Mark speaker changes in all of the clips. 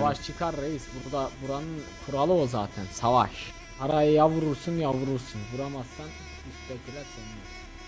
Speaker 1: savaş çıkar reis. Burada buranın kuralı o zaten. Savaş. Arayı ya vurursun ya vurursun. Vuramazsan üsttekiler senin.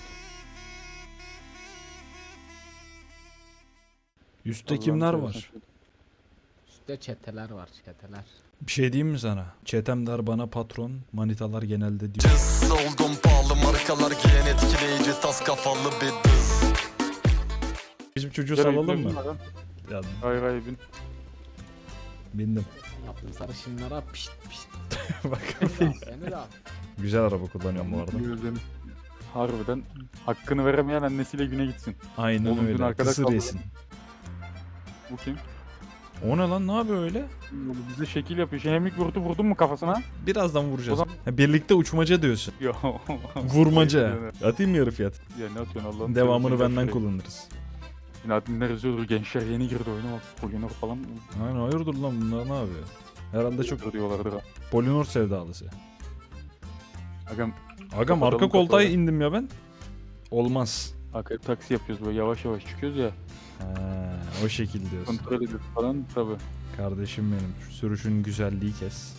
Speaker 2: Üstte kimler
Speaker 3: Allah'ını
Speaker 2: var?
Speaker 3: seversen.
Speaker 1: Üstte çeteler var çeteler.
Speaker 2: Bir şey diyeyim mi sana? Çetem der bana patron, manitalar genelde diyor.
Speaker 4: Cız oldum pahalı markalar giyen etkileyici tas kafalı bir dız.
Speaker 2: Bizim çocuğu
Speaker 3: Nereye
Speaker 2: salalım mı?
Speaker 3: gidiyorsun lan?
Speaker 2: Ya
Speaker 3: Hayır hayır bin.
Speaker 2: bindim.
Speaker 1: Yaptım sarışınlara pişt pişt.
Speaker 2: Bak.
Speaker 1: Seni de al.
Speaker 2: Güzel araba kullanıyorum bu arada.
Speaker 3: Gözlerim. Harbiden hakkını veremeyen annesiyle güne gitsin.
Speaker 2: Aynen
Speaker 3: Oğlum, dün
Speaker 2: öyle.
Speaker 3: arkada
Speaker 2: Kısır
Speaker 3: kaldı.
Speaker 2: yesin.
Speaker 3: Bu kim?
Speaker 2: O ne lan? Ne yapıyor öyle?
Speaker 3: Bize şekil yapıyor. Şehemlik vurdun mu kafasına?
Speaker 2: Birazdan vuracağız.
Speaker 3: O zaman-
Speaker 2: Ha, birlikte uçmaca diyorsun.
Speaker 3: Yo.
Speaker 2: Vurmaca. Atayım mı yarı fiyat?
Speaker 3: Ya ne atıyorsun Allah'ım?
Speaker 2: Devamını benden kullanırız.
Speaker 3: Yine adminler yazıyordur. Gençler yeni girdi oyuna bak. Polinor falan
Speaker 2: Aynen hayırdır lan bunlar ne yapıyor? Herhalde çok
Speaker 3: diyorlardır ha.
Speaker 2: Polinor sevdalısı.
Speaker 3: Agam
Speaker 2: Agam arka
Speaker 3: Kapatalım
Speaker 2: koltuğa
Speaker 3: kapağı.
Speaker 2: indim ya ben. Olmaz.
Speaker 3: arka taksi yapıyoruz böyle yavaş yavaş çıkıyoruz ya.
Speaker 2: Ha, o şekil diyorsun.
Speaker 3: Kontrol ediyoruz falan tabi.
Speaker 2: Kardeşim benim. Şu sürüşün güzelliği kes.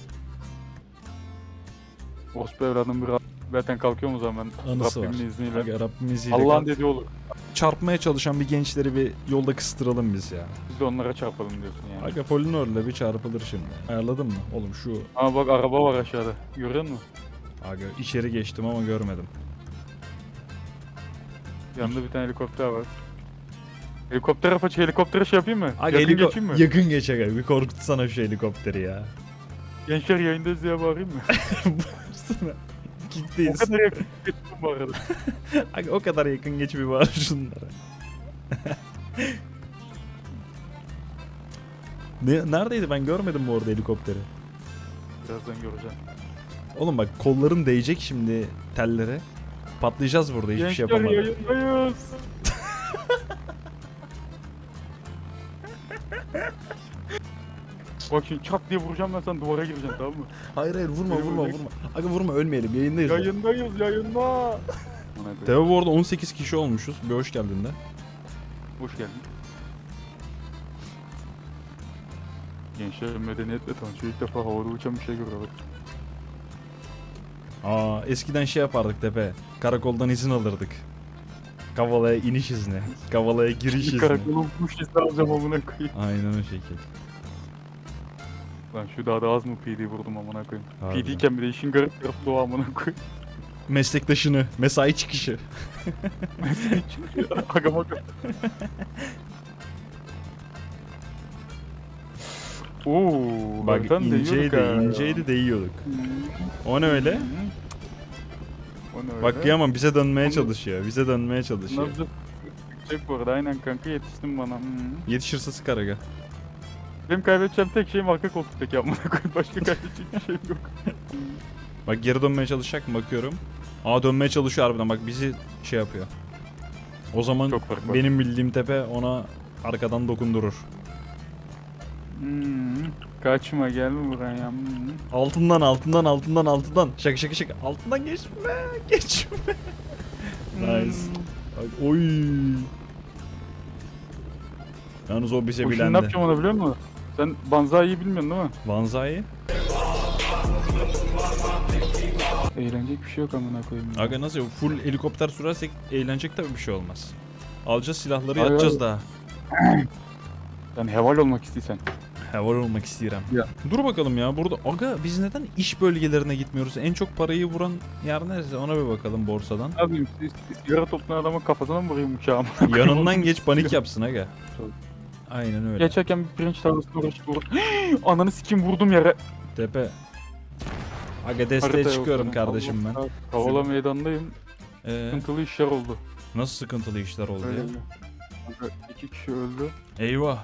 Speaker 3: Orospu evladım bir zaten kalkıyor mu zaman
Speaker 2: Anısı var.
Speaker 3: Rabbimin izniyle.
Speaker 2: Aga Rabbim izniyle
Speaker 3: Allah'ın
Speaker 2: kalk-
Speaker 3: dediği olur.
Speaker 2: çarpmaya çalışan bir gençleri bir yolda kıstıralım biz ya.
Speaker 3: Biz de onlara çarpalım diyorsun yani.
Speaker 2: Aga Polinor'la bir çarpılır şimdi. Ayarladın mı? Oğlum şu
Speaker 3: Ama bak araba var aşağıda. Görüyor musun?
Speaker 2: aga içeri geçtim ama görmedim.
Speaker 3: Yanında bir tane helikopter var. Helikoptere şey yapayım mı?
Speaker 2: Aga
Speaker 3: Yakın geçeyim mi?
Speaker 2: yakın geç aga. Bir korkutsana şu helikopteri ya.
Speaker 3: Gençler yayındayız diye bağırayım mı?
Speaker 2: Bağırsana.
Speaker 3: O
Speaker 2: Kickteyiz.
Speaker 3: kadar yakın geçtim bu arada.
Speaker 2: Aga o kadar yakın geç bir bağır şunlara. Neredeydi ben görmedim bu arada helikopteri.
Speaker 3: Birazdan göreceğim.
Speaker 2: Oğlum bak kolların değecek şimdi tellere. Patlayacağız burada hiçbir şey
Speaker 3: Gençler
Speaker 2: yapamadık.
Speaker 3: yayındayız. Bak şimdi çat diye vuracağım ben sen duvara gireceksin tamam mı?
Speaker 2: Hayır hayır vurma
Speaker 3: Beni
Speaker 2: vurma
Speaker 3: vuracak.
Speaker 2: vurma. Aga vurma ölmeyelim yayındayız. ya.
Speaker 3: Yayındayız yayında.
Speaker 2: Teo bu arada 18 kişi olmuşuz. Bir hoş geldin de.
Speaker 3: Hoş geldin. Gençler medeniyetle tanışıyor. İlk defa havada uçan bir şey görüyorlar.
Speaker 2: Aa eskiden şey yapardık tepe. Karakoldan izin alırdık. Kavala'ya iniş izni. Kavala'ya giriş izni.
Speaker 3: Karakolun kuş izni alacağım amına koyayım.
Speaker 2: Aynen o şekil.
Speaker 3: Lan şu dağda az mı PD vurdum amına koyayım.
Speaker 2: Harbiden.
Speaker 3: PD iken bir de işin garip tarafı da o amına koyayım.
Speaker 2: Meslektaşını, mesai çıkışı.
Speaker 3: Aga bak. Oo,
Speaker 2: Bak
Speaker 3: baktan
Speaker 2: inceydi,
Speaker 3: değiyorduk ha.
Speaker 2: inceydi değiyorduk. O ne öyle?
Speaker 3: O ne öyle?
Speaker 2: Bak kıyamam bize dönmeye
Speaker 3: Onu-
Speaker 2: çalışıyor. Bize dönmeye çalışıyor.
Speaker 3: Nabzı çek bu arada aynen kanka yetiştin bana.
Speaker 2: Yetişirse sıkar aga.
Speaker 3: Benim kaybedeceğim tek şeyim arka koltuktaki amına koyayım. Başka kaybedecek bir şeyim yok.
Speaker 2: Bak geri dönmeye çalışacak mı bakıyorum. Aa dönmeye çalışıyor harbiden bak bizi şey yapıyor. O zaman
Speaker 3: Çok fark var.
Speaker 2: benim bildiğim tepe ona arkadan dokundurur.
Speaker 3: Kaçma gelme buraya.
Speaker 2: Altından altından altından altından. Şaka şaka şaka. Altından geçme. Geçme. Nice. Bak, oy. Yalnız o bize
Speaker 3: O şimdi ne
Speaker 2: bilendi.
Speaker 3: yapacağım ona biliyor musun? Sen Banzai'yi bilmiyorsun değil mi?
Speaker 2: Vanzai.
Speaker 3: Eğlenecek bir şey yok amına koyayım. ya.
Speaker 2: Aga nasıl full helikopter sürersek eğlenecek tabii bir şey olmaz. Alacağız silahları
Speaker 3: Hayır,
Speaker 2: yatacağız daha.
Speaker 3: Yani heval olmak istiyorsan.
Speaker 2: Havar olmak istiyorum.
Speaker 3: Ya.
Speaker 2: Dur bakalım ya burada. Aga biz neden iş bölgelerine gitmiyoruz? En çok parayı vuran yer neresi? Ona bir bakalım borsadan.
Speaker 3: Ne yapayım? Sigara toplayan adamın kafasına mı vurayım uçağımı?
Speaker 2: Yanından geç panik yapsın aga.
Speaker 3: Tabii.
Speaker 2: Aynen öyle.
Speaker 3: Geçerken bir pirinç tarlasına uğraşıp ananı sikim vurdum yere.
Speaker 2: Tepe. Aga desteğe
Speaker 3: Harita yok
Speaker 2: çıkıyorum
Speaker 3: yani.
Speaker 2: kardeşim ben.
Speaker 3: Kavala meydandayım. Sıkıntılı işler oldu.
Speaker 2: Nasıl sıkıntılı işler oldu
Speaker 3: Öyle
Speaker 2: ya?
Speaker 3: mi? Kanka 2 kişi öldü.
Speaker 2: Eyvah.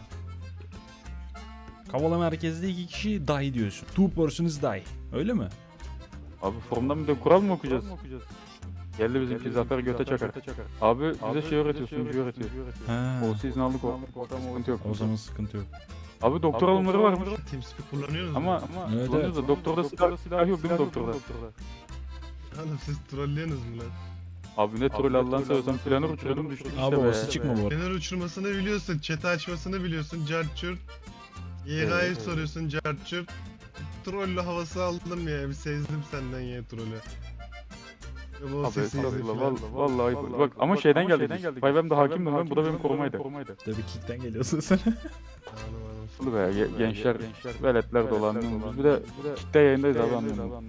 Speaker 2: Kavala merkezde 2 kişi die diyorsun. Two persons die. Öyle mi?
Speaker 3: Abi forumdan bir de kural mı okuyacağız? Geldi bizimki Zafer göte çakar. Abi bize şey öğretiyor, sunucu öğretiyor.
Speaker 2: Ha.
Speaker 3: O sizin aldık o. Sıkıntı yok.
Speaker 2: O zaman sıkıntı yok.
Speaker 3: Abi doktor alımları varmış.
Speaker 5: TeamSpeak kullanıyoruz mu?
Speaker 3: Ama
Speaker 2: Evet,
Speaker 3: kullanıyoruz da doktorda silah yok değil mi doktorda?
Speaker 5: Oğlum siz trollüyorsunuz mu lan?
Speaker 3: Abi ne troll Allah'ını seversen planör uçurdum düştük
Speaker 2: Abi
Speaker 3: işte be.
Speaker 2: orası çıkma bu arada.
Speaker 5: Fener uçurmasını biliyorsun, chat'i açmasını biliyorsun, cart çurt. YK'yı soruyorsun carçurt. Trollü havası aldım ya. Bir sezdim senden ya trollü. Ya bu
Speaker 3: Abi
Speaker 5: sesi izle
Speaker 3: estağfurullah
Speaker 5: falan.
Speaker 3: vallahi ayıp. Bak ama şeyden geldik. Five'm de hakimdim ben, bu da benim korumaydı.
Speaker 2: Tabii kickten geliyorsun sen.
Speaker 5: Anladım.
Speaker 3: Ulu be gençler, veletler dolanıyoruz. Bir de kitle yayındayız abi anlıyorum.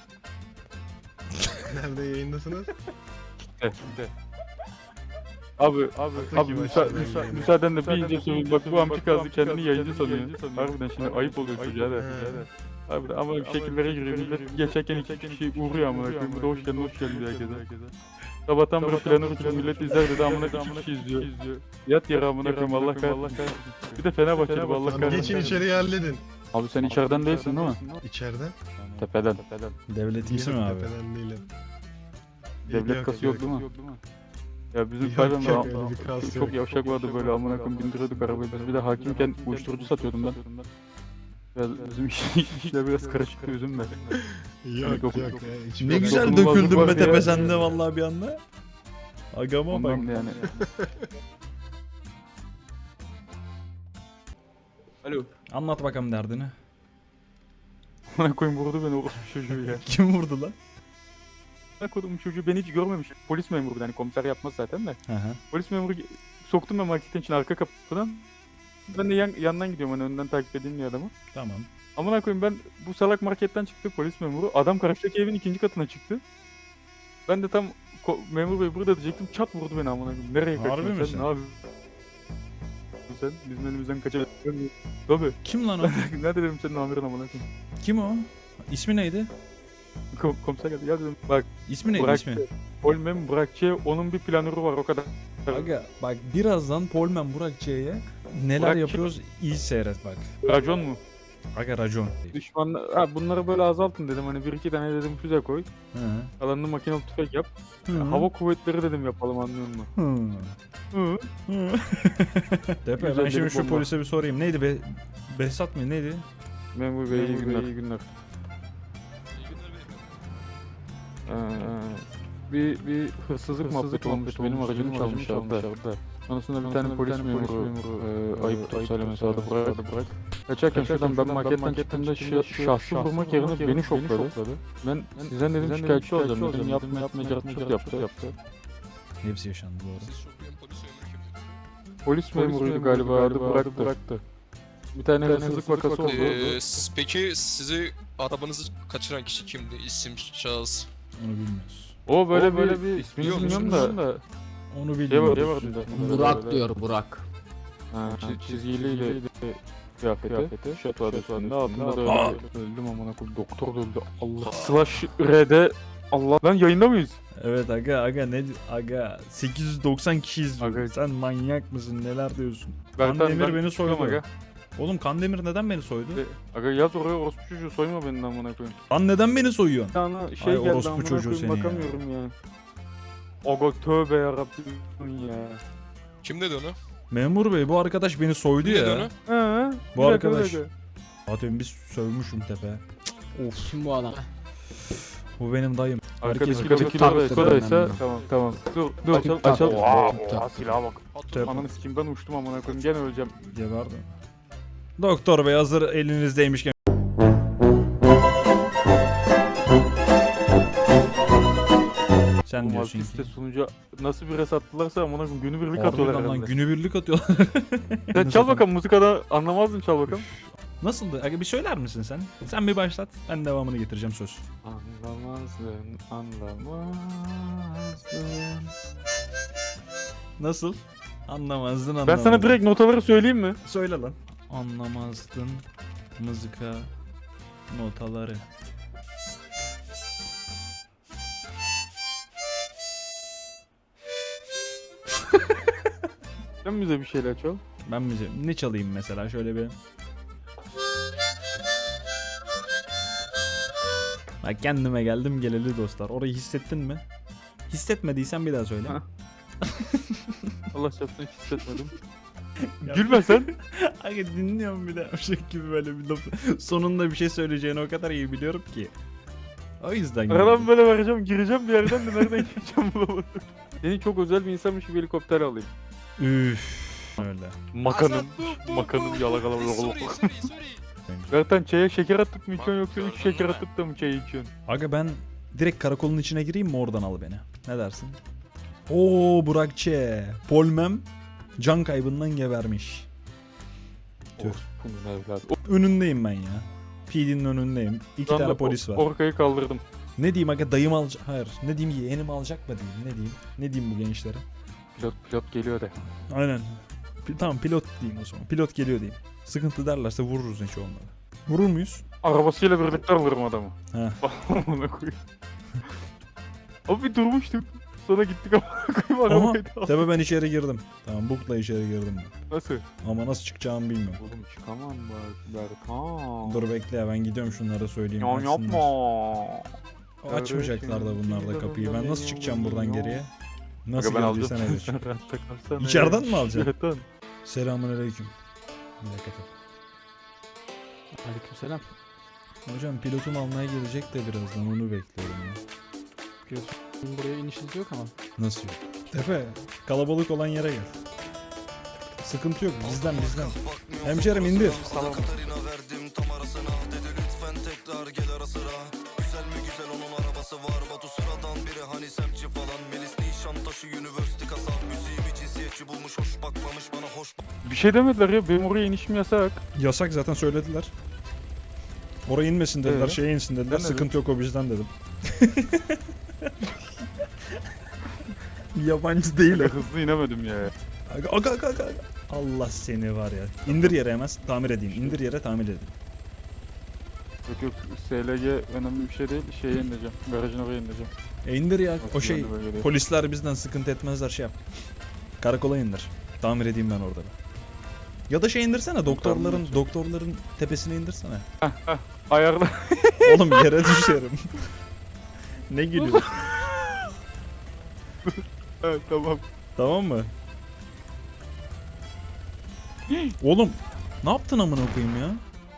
Speaker 5: Nerede yayındasınız?
Speaker 3: Abi
Speaker 5: Ataki başladı.
Speaker 3: müsaadenle bir ince söyleyeyim, bak bu amca kazdı kendini yayıncı sanıyor. Harbiden şimdi ayıp oluyor çocuğa da. Abi ama bir şekillere giriyor millet, geçerken iki kişi uğruyor amına koyayım. Bir de hoş geldin diyor herkese. Sabahtan beri planı uçuyor, millet izler dedi amına iki kişi izliyor. Yat yere amına koyayım, Allah kahretsin. Bir de Fenerbahçeli bu, Allah
Speaker 5: Tamam,
Speaker 3: kahretsin.
Speaker 5: geçin içeriye halledin.
Speaker 3: Abi sen içeriden değilsin değil mi?
Speaker 5: İçeride?
Speaker 3: Tepeden.
Speaker 2: Devletimsi mi abi?
Speaker 5: Tepeden değilim.
Speaker 3: Devlet kası yok değil mi? Ya bizim
Speaker 5: Yok,
Speaker 3: Five'm
Speaker 5: yok, öyle bir kas
Speaker 3: çok
Speaker 5: yok.
Speaker 3: yavşak vardı böyle amına koyayım, bindiriyorduk arabayı. Biz bir de hakimken uyuşturucu satıyordum ben. Biraz bizim işler biraz karışıktı, üzülme.
Speaker 5: Yok
Speaker 3: Yok.
Speaker 5: yok. ya, hiç
Speaker 2: Ne
Speaker 5: merak
Speaker 2: güzel
Speaker 5: etme.
Speaker 3: dokunulmazlık
Speaker 2: döküldün
Speaker 3: var
Speaker 2: be
Speaker 3: diye.
Speaker 2: tepe sende vallahi bir anda. Agama bak.
Speaker 3: Ondan yani. Alo.
Speaker 2: Anlat bakalım derdini.
Speaker 3: Amına koyayım, vurdu beni orospu çocuğu ya.
Speaker 2: Kim vurdu lan?
Speaker 3: Amına koyduğum çocuğu beni hiç görmemiş. Polis memuru, hani komiser yapmaz zaten de.
Speaker 2: Hı hı.
Speaker 3: Polis memuru soktum ben marketin içine arka kapıdan. Ben de yandan gidiyorum, hani önden takip edeyim diye adamı.
Speaker 2: Tamam.
Speaker 3: Amına koyayım, ben bu salak marketten çıktı polis memuru. Adam karşıdaki evin ikinci katına çıktı. Ben de tam memur bey burada diyecektim. Çat vurdu beni amına koyayım. Nereye
Speaker 2: Harbi
Speaker 3: kaçıyorsun
Speaker 2: misin?
Speaker 3: sen? Ne yapıyorsun sen? Bizim elimizden kaçabilirsin. Tabii.
Speaker 2: Kim lan o?
Speaker 3: Ne dedim senin amirin amına koyayım.
Speaker 2: Kim o? İsmi neydi?
Speaker 3: Komiser geldi. Ya dedim bak,
Speaker 2: İsmi neydi
Speaker 3: Burak.
Speaker 2: ismi?
Speaker 3: Polmem Burakçı, onun bir planörü var o kadar.
Speaker 2: Aga bak birazdan Polman Burak C'ye neler
Speaker 3: Burak
Speaker 2: yapıyoruz iyi seyret bak.
Speaker 3: Racon mu?
Speaker 2: Aga racon.
Speaker 3: Düşmanlar, ha bunları böyle azaltın dedim, hani bir iki tane dedim füze koy.
Speaker 2: Hı.
Speaker 3: Kalanını makinalı tüfek yap.
Speaker 2: Hı.
Speaker 3: Hava kuvvetleri dedim yapalım, anlıyor musun?
Speaker 2: Hı.
Speaker 3: Hı.
Speaker 2: Hı. Tepe
Speaker 3: Güzel
Speaker 2: ben şimdi
Speaker 3: bir
Speaker 2: şu
Speaker 3: bomba.
Speaker 2: polise bir sorayım. Neydi be? Behzat mı neydi?
Speaker 3: Memur bey iyi günler. İyi günler. Bir hırsızlık muhabbeti olmuş. Benim aracımı çalmışlar da. Sonrasında bir tane polis memuru ayıptır söylemesi adı bırak. Kaçarken şuradan ben marketten çıktığımda şahsı vurmak yerine beni şokladı. Ben sizden dedim şikayetçi olacağım dedim. Yapma çok yaptı.
Speaker 2: Hepsi yaşandı bu arada.
Speaker 3: Polis memuruydu galiba, adı bıraktı. Bir tane hırsızlık vakası oldu.
Speaker 6: Peki sizi arabanızı kaçıran kişi kimdi? İsim, şahıs.
Speaker 2: Onu bilmiyoruz.
Speaker 3: O böyle bir ismini
Speaker 6: Biliyor
Speaker 3: bilmiyorum
Speaker 6: musunuz?
Speaker 3: da.
Speaker 2: Onu
Speaker 3: Şey
Speaker 2: bilmiyoruz.
Speaker 3: vardı.
Speaker 1: Burak diyor Burak.
Speaker 3: Çizgiliyle kıyafeti. Şat vardı üstünde. Altında da öyle. Öldüm amına koyayım. Doktor da öldü. Allah. Slash R'de. Allah. Lan yayında mıyız?
Speaker 2: Evet aga ne aga 890 kişi izliyor.
Speaker 3: Aga.
Speaker 2: Sen manyak mısın neler diyorsun?
Speaker 3: Ben
Speaker 2: Kandemir beni soydu.
Speaker 3: Aga.
Speaker 2: Oğlum Kandemir neden beni soydu?
Speaker 3: Aga yaz oraya, orospu çocuğu soyma beni amına koyayım.
Speaker 2: Lan neden beni soyuyorsun?
Speaker 3: Bir tane şey
Speaker 2: Ay,
Speaker 3: geldi
Speaker 2: orospu
Speaker 3: amına
Speaker 2: çocuğu
Speaker 3: koyayım,
Speaker 2: seni ya.
Speaker 3: bakamıyorum ya. Aga tövbe yarabbim ya.
Speaker 6: Kim dedi onu?
Speaker 2: Memur bey bu arkadaş beni soydu
Speaker 6: Kim dedi
Speaker 2: ya.
Speaker 6: onu?
Speaker 3: He.
Speaker 2: Bu
Speaker 3: bir dakika,
Speaker 2: arkadaş.
Speaker 3: bir dakika.
Speaker 2: Zaten biz sövmüşüm tepe.
Speaker 1: Kim bu adam?
Speaker 2: Bu benim dayım.
Speaker 3: Arkadaki
Speaker 1: Herkes
Speaker 3: kilo
Speaker 1: taktı
Speaker 3: ise
Speaker 1: benden.
Speaker 3: tamam. Dur
Speaker 1: Açıl,
Speaker 3: açıl.
Speaker 1: açıl.
Speaker 3: Oha silaha bak.
Speaker 2: Tep.
Speaker 3: Ananı sikeyim, ben uçtum amına koyayım, gene öleceğim.
Speaker 2: Geberdim. Doktor bey hazır elinizdeymişken. Sen
Speaker 3: Bu
Speaker 2: diyorsun ki.
Speaker 3: Malpiste sunucu nasıl bir res attılarsa amına koyayım, günübirlik atıyorlar
Speaker 2: Harbiden lan
Speaker 3: herhalde.
Speaker 2: günübirlik atıyorlar.
Speaker 3: Sen çal bakalım, musikada anlamazdın, çal bakalım.
Speaker 2: Nasıldı? Aga bir söyler misin sen? Sen bir başlat. Ben devamını getireceğim söz.
Speaker 3: Anlamazdın.
Speaker 2: Nasıl? Anlamazdın
Speaker 3: Ben sana direkt notaları söyleyeyim mi?
Speaker 2: söyle lan. Anlamazdın mızıka notaları.
Speaker 3: Sen bize bir şeyler çal.
Speaker 2: Ben bize ne çalayım mesela şöyle bir. Bak kendime geldim geleli dostlar. Orayı hissettin mi? Hissetmediysen bir daha söyle.
Speaker 3: Ha. Allah çarpsın, hiç hissetmedim. Gülme sen.
Speaker 2: Aga dinliyorum bir de o şey gibi böyle bir laf. Sonunda bir şey söyleyeceğini o kadar iyi biliyorum ki. O yüzden
Speaker 3: Aradan böyle vereceğim, gireceğim bir yerden de nereden gireceğim bulamadım. Seni çok özel bir insanmış gibi helikopter alayım.
Speaker 2: Üf. Öyle.
Speaker 3: Makanım yalakalı.
Speaker 6: Sorry.
Speaker 3: Zaten çaya şeker atıp mı içiyorsun yoksa 3 şeker atıp da mı çay içiyorsun?
Speaker 2: Aga ben direkt karakolun içine gireyim mi, oradan al beni? Ne dersin? Oo Burak Ç. Polmem can kaybından gebermiş. Tüh.
Speaker 3: Orspunun evladı.
Speaker 2: Önündeyim ben ya. PD'nin önündeyim. İki
Speaker 3: Şu anda
Speaker 2: tane polis var.
Speaker 3: Orkayı kaldırdım.
Speaker 2: Ne diyeyim aga, dayım alacak? Hayır. Ne diyeyim, yeğenim alacak mı diyeyim? Ne diyeyim? Ne diyeyim bu gençlere?
Speaker 3: Pilot geliyor de.
Speaker 2: Aynen. Tamam pilot diyeyim o zaman. Pilot geliyor diyeyim. Sıkıntı derlerse vururuz hiç onları. Vurur muyuz?
Speaker 3: Arabasıyla birlikte alırım adamı.
Speaker 2: He.
Speaker 3: Ona koyayım. Abi bir durmuştuk. Sonra gittik ama koyayım
Speaker 2: Ama
Speaker 3: arabayı da aldık.
Speaker 2: tabi ben içeri girdim. Tamam bookla içeri girdim ben.
Speaker 3: Nasıl?
Speaker 2: Ama nasıl çıkacağımı bilmiyorum.
Speaker 3: Oğlum çıkamam bak Berkan.
Speaker 2: Dur bekle ya, ben gidiyorum şunlara söyleyeyim.
Speaker 3: Ya
Speaker 2: açsınlar.
Speaker 3: yapma.
Speaker 2: Açmayacaklar da bunlar da kapıyı. Ben nasıl çıkacağım buradan geriye? Nasıl
Speaker 3: Aga ben
Speaker 2: geldiysen
Speaker 3: alacağım.
Speaker 2: öyle çık.
Speaker 3: Sen rahatta kalsana.
Speaker 2: İçeriden mi alacaksın?
Speaker 3: Evet lan.
Speaker 2: Selamünaleyküm. Bir dakika.
Speaker 1: Aleykümselam.
Speaker 2: Hocam pilotum almaya gelecek de birazdan, onu bekliyorum ya.
Speaker 1: Bizim buraya inişiniz yok ama.
Speaker 2: Nasıl yok? Tepe, kalabalık olan yere gel. Sıkıntı yok, bizden. Hemşerim indir.
Speaker 4: Tamam. Katarina verdim tam arasına. Dedi lütfen tekrar gel ara sıra. Güzel mi güzel, onun arabası var. Batu sıradan biri, hani semtçi falan. Melis Nişantaşı University kasap. Müziğimi cinsiyetçi bulmuş, hoş bakmamış bana, hoş
Speaker 3: Bir şey demediler ya, benim oraya inişim yasak.
Speaker 2: Yasak zaten, söylediler. Oraya inmesin dediler, şeye insin dediler.
Speaker 3: Ben
Speaker 2: Sıkıntı yok, o bizden dedim. Yabancı değil o.
Speaker 3: Hızlı inemedim ya.
Speaker 2: Aga. Allah seni var ya. İndir yere hemen, tamir edeyim. İndir yere, tamir edeyim.
Speaker 3: Yok SLG önemli bir şey değil, şeye ineceğim. Garajın oraya ineceğim.
Speaker 2: İndir ya, o
Speaker 3: Nasıl
Speaker 2: şey.
Speaker 3: yani böyle?
Speaker 2: Polisler bizden sıkıntı etmezler, şey yap. Karakola indir. Tamir edeyim ben orada. Ya da şey indirsene, doktorların tepesine indirsene.
Speaker 3: Ayarla.
Speaker 2: Oğlum yere düşerim. Ne gülüyorsun?
Speaker 3: Evet tamam.
Speaker 2: Tamam mı? Oğlum ne yaptın amına koyayım ya?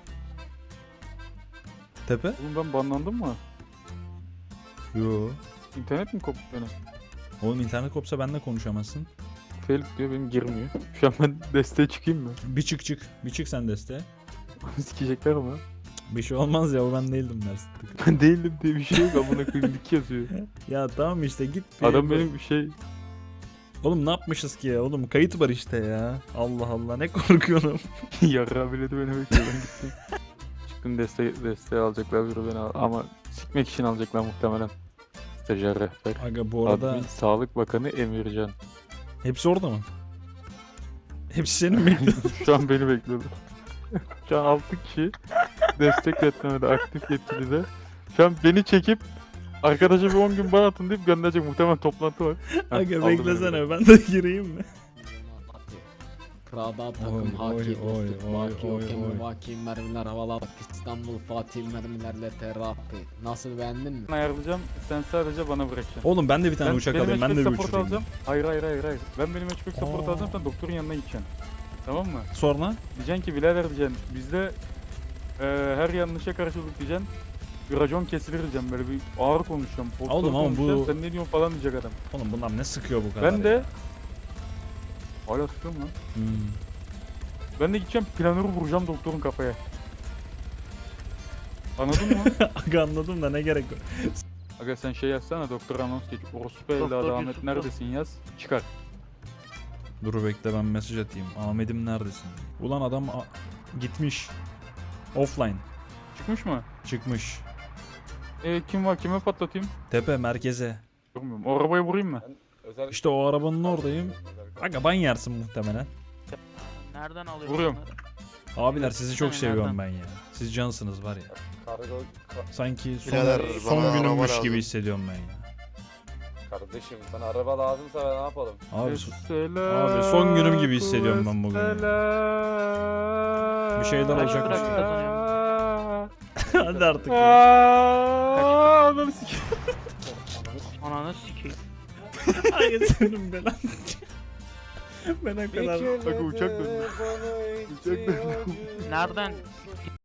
Speaker 2: Tepe?
Speaker 3: Oğlum ben banlandım mı?
Speaker 2: Yo.
Speaker 3: İnternet mi koptu benim?
Speaker 2: Oğlum internet kopsa benimle konuşamazsın.
Speaker 3: Fail diyor, benim girmiyor. Şu an ben desteğe çıkayım mı?
Speaker 2: Bir çık. Bir çık sen desteğe.
Speaker 3: Sikecekler ama.
Speaker 2: Bir şey olmaz ya, o ben değildim dersin.
Speaker 3: Ben değilim diye bir şey yok, amına koyayım dik yazıyor.
Speaker 2: Ya tamam işte git. bir-
Speaker 3: Adam benim bir şey...
Speaker 2: Oğlum ne yapmışız ki ya? Oğlum kayıt var işte ya. Allah Allah, ne korkuyorum.
Speaker 3: Yarrağı bile de beni bekliyor, ben gittim. Çıktım, desteğe alacaklar biri beni ama sikmek için alacaklar muhtemelen. Stajyer rehber.
Speaker 2: Aga bu arada
Speaker 3: Admin Sağlık Bakanı Emircan.
Speaker 2: hepsi orada mı? Hepsi senin mi?
Speaker 3: Şu an beni bekliyorlar. Şu an 6 kişi destek yetmemede, aktif yetkili de. Şu an beni çekip arkadaşa bir 10 gün bana atın deyip gönderecek, muhtemelen toplantı var. Heh,
Speaker 2: Aga
Speaker 3: aldı beni
Speaker 2: beklesene, ben de gireyim mi?
Speaker 1: Prada takım
Speaker 2: Oy,
Speaker 1: haki
Speaker 2: oy,
Speaker 1: dostluk
Speaker 2: oy,
Speaker 1: vaki
Speaker 2: oy,
Speaker 1: yok emri
Speaker 2: oy.
Speaker 1: vaki mermiler havalar İstanbul Fatih mermilerle terapi. Nasıl, beğendin mi?
Speaker 3: Ben ayarlayacağım, sen sadece bana bırakacaksın.
Speaker 2: Oğlum ben de bir tane uçak alayım, ben de bir
Speaker 3: support
Speaker 2: uçurayım.
Speaker 3: alacağım. Hayır. Ben benim matchback support
Speaker 2: Aa.
Speaker 3: alacağım, sen doktorun yanına gideceksin. Tamam mı?
Speaker 2: Sonra?
Speaker 3: Diyeceksin ki birader diyeceksin, bizde her yanlışa karşılık diyeceksin. Bir racon kesilir diyeceğim, böyle bir ağır konuşacağım. postol
Speaker 2: Oğlum ama bu-
Speaker 3: konuşacağım, sen ne diyorsun falan diyecek adam.
Speaker 2: Oğlum bunlar ne sıkıyor bu kadar
Speaker 3: Ben
Speaker 2: ya?
Speaker 3: de... Hala sıkıyorum lan.
Speaker 2: Hmm.
Speaker 3: Ben de gideceğim, planörü vuracağım doktorun kafaya. Anladın mı?
Speaker 2: Aga anladım da ne gerek var?
Speaker 3: Aga sen şey yazsana, doktor anons geç. Orospu evladı Ahmet neredesin yaz. Çıkar.
Speaker 2: Dur bekle, ben mesaj atayım. Ahmet'im neredesin? Ulan adam gitmiş. Offline.
Speaker 3: Çıkmış mı?
Speaker 2: Çıkmış.
Speaker 3: Kim var, kime patlatayım?
Speaker 2: Tepe merkeze.
Speaker 3: Bilmiyorum. O arabayı vurayım mı?
Speaker 2: İşte o arabanın oradayım. Aga ban yersin muhtemelen.
Speaker 7: Nereden alıyorsun?
Speaker 3: Vuruyorum.
Speaker 7: bunları?
Speaker 2: Abiler sizi çok
Speaker 7: Gitsene,
Speaker 2: seviyorum
Speaker 7: nereden?
Speaker 2: ben ya. Siz cansınız var ya. Sanki
Speaker 8: Birader,
Speaker 2: son
Speaker 8: bana araba
Speaker 2: günümmüş
Speaker 8: lazım.
Speaker 2: gibi hissediyorum ben ya.
Speaker 8: Kardeşim sana araba lazımsa ben ne yapalım?
Speaker 2: Abi,
Speaker 3: Selam.
Speaker 2: abi son günüm gibi hissediyorum ben bugün ya.
Speaker 3: Selam.
Speaker 2: Bir şeyler olacak
Speaker 7: Kaç
Speaker 2: işte.
Speaker 7: para kazanıyorsun?
Speaker 2: Hadi artık. ya.
Speaker 3: Ananı sikeyim.
Speaker 7: Ananı sikeyim.
Speaker 2: Ay senin belan. Ben o kadar.
Speaker 3: Bak uçak döndü. Uçak döndü.
Speaker 7: Nereden